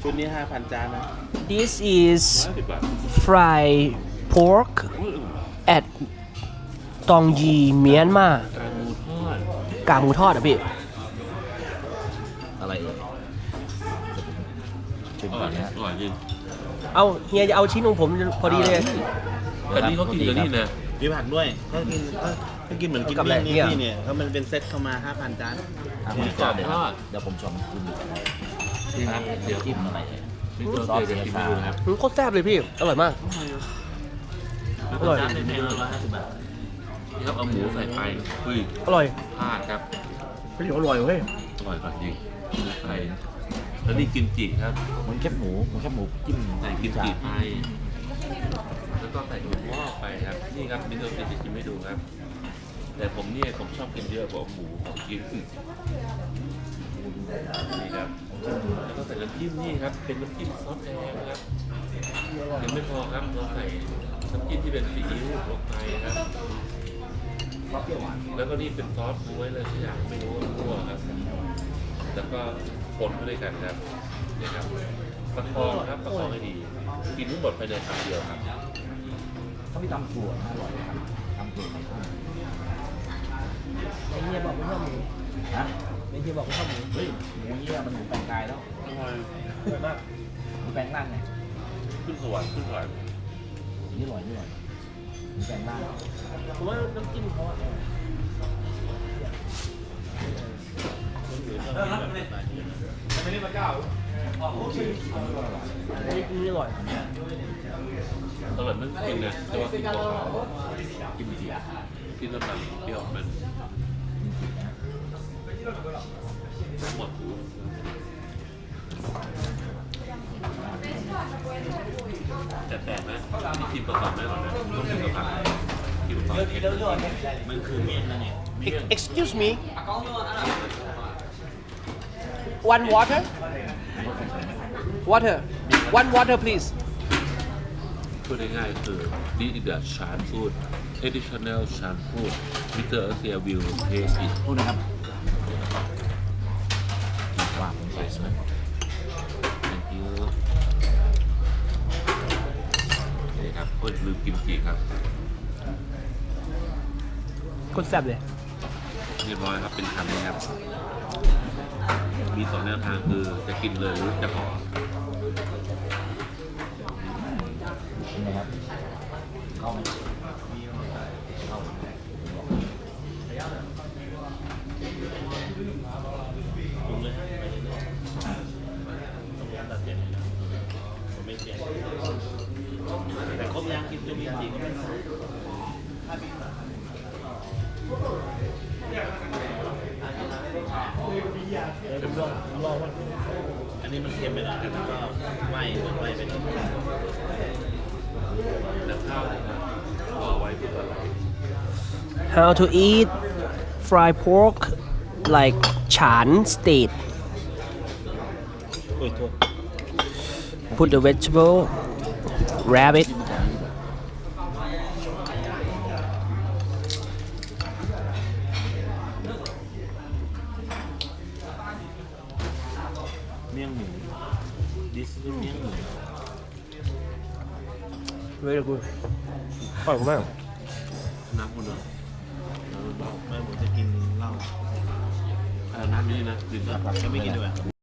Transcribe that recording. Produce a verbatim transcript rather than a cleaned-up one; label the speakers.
Speaker 1: ชุดนี้ห้าพันจานนะ
Speaker 2: This is fried pork at ตองยีเมียนมาก
Speaker 1: างหมูทอด
Speaker 2: กากหมูทอดอ่ะพี่
Speaker 3: อะไรเอ่ยชิม
Speaker 1: อ
Speaker 3: ก่
Speaker 1: ร่
Speaker 3: อ
Speaker 1: อน ย
Speaker 3: นะฮะ
Speaker 1: อร่อยจริง
Speaker 2: เอาเฮียจะเอาชิ้นของผมพอดีเลย
Speaker 1: แต่นี่เขากินกันนี่นะ
Speaker 4: มีผักด้วยเขากินเขาเขากินเหมือนกิน
Speaker 2: กับอะไร
Speaker 4: นี่
Speaker 2: เนี่ย
Speaker 4: นี่เนี่ยเขามันเป็นเซ็ตเข้ามาห้าพันจาน
Speaker 3: อ่ะผมชอบเลยครับเดี๋ยวผมชมคุณ
Speaker 1: นี่ครับเดี๋ยว
Speaker 3: จิ้มอะไรเอ่ย
Speaker 1: นี่ตัวเดียวจะกินไม่ดูนะครับ
Speaker 2: อืมโคตรแซ่บเลยพี่ อร่อยมาก อร่อย
Speaker 1: จานแพงๆร้อยห้าสิบบาทนี่ครับเอาหมูใส่ไปเฮ้ย
Speaker 2: อร่อย
Speaker 1: พลาดครับ
Speaker 2: เฮ้ยอร่อยเว้ย
Speaker 1: อร่อยกว่าจริงใส่แล้วนี่กิมจิครับ
Speaker 3: เหมันแคบหมูเหมันแคบหมูจิ้ม
Speaker 1: ใส่กิมจิไปแล้วก็ใส่ถั่วงอกไปครับ นี่ครับนี่เราจะชิมให้ดูครับ แต่ผมเนี่ยผมชอบกินเยอะกว่าหมูของกินนี่ครับแล้วก็ใส่น้ำจิ้มนี่ครับเป็นน้ำจิ้มซอสแดงนะครับยังไม่พอครับเราใส่น้ำจิ้มที่เป็นซีอิ๊วลงไปครับแล้วก็นี่เป็นซอสบ๊วยเลยทุกอย่างไม่รู้ว่าคั่วครับแล้วก็คนเข้าด้วยกันครับนี่ครับประคองครับประคองให้ดีกินทั้งหมดภายในคำเดียวครับ
Speaker 3: เขามีตำถั่วนะอร่อยนะครับตำถั่ว
Speaker 2: ไอเฮียบอกไม่ชอบหมู
Speaker 3: ฮะ
Speaker 2: ไอเฮียบอกไม่ชอบหมู
Speaker 3: เฮ้ยหมูเยี่ยมันหมูแปลงกายแล้ว
Speaker 1: อร่อย
Speaker 2: อร่อยมาก
Speaker 3: หมูแปลงร่างไง
Speaker 1: ขึ้นสวรรค์ขึ้นสวรรค์
Speaker 3: นี่อร่อยนี่อร่อยหมูแปลงร่าง
Speaker 2: ผมว่าน้ำจิ้มเขาอะอันนี้อันนี้อร่อย
Speaker 1: อร่อยไม่กินนะแต่ว่ากินเปล่าๆกินดีกินน้ำมันเปรี้ยวมันหมดแต่แปลกนะนี่กินเปล่าๆไม่อร่อยนะต้องกินกับผักกินกับผักเผ็ด
Speaker 4: มันคือเมี่ยงนะเนี่ย
Speaker 2: Excuse me one water water one water please
Speaker 1: พูดง่ายๆคือ this is the Chan food traditional Chan food Mister Asia will taste it
Speaker 3: พูดนะครับว่าผมใส่สวย
Speaker 1: thank you นี่ครับโอ้ยลืมกิมจิครับ
Speaker 2: คนแซ่บเลย
Speaker 1: เรียบร้อยครับเป็นคำนี้ครับ มีสองแนวทางคือจะกินเลยหรือจะห่อ
Speaker 3: เป็นไงครับเข้าไหมเข้า
Speaker 4: ปรุงเลยฮะไปเรื่อยๆต้มยำตัดเด็ดผมไม่เปลี่ยนแต่ครบยังกินจุ่มจริงๆก็ไม่ใส่เออผมลองผมลองว่าอันนี้มันเค็มไปหน่อยแล้วก็ไหม้เหมือนไหม้ไปหน่อย
Speaker 1: แต่ข้าวนะครับรอไว้เพื่ออะไร
Speaker 2: How to eat fried pork like Chan state
Speaker 4: โอ้ยโทษ
Speaker 2: Put the vegetable wrap it
Speaker 4: เมี่ยงหมูดิสคือเมี่ยงหมู
Speaker 2: Very good อร่อยมาก
Speaker 1: น้ำคนเดียวน้ำเบา
Speaker 4: ไม่ผมจะกินเหล้า
Speaker 1: เออน้ำนี้นะดื่ม
Speaker 4: จะไม่กินด้วย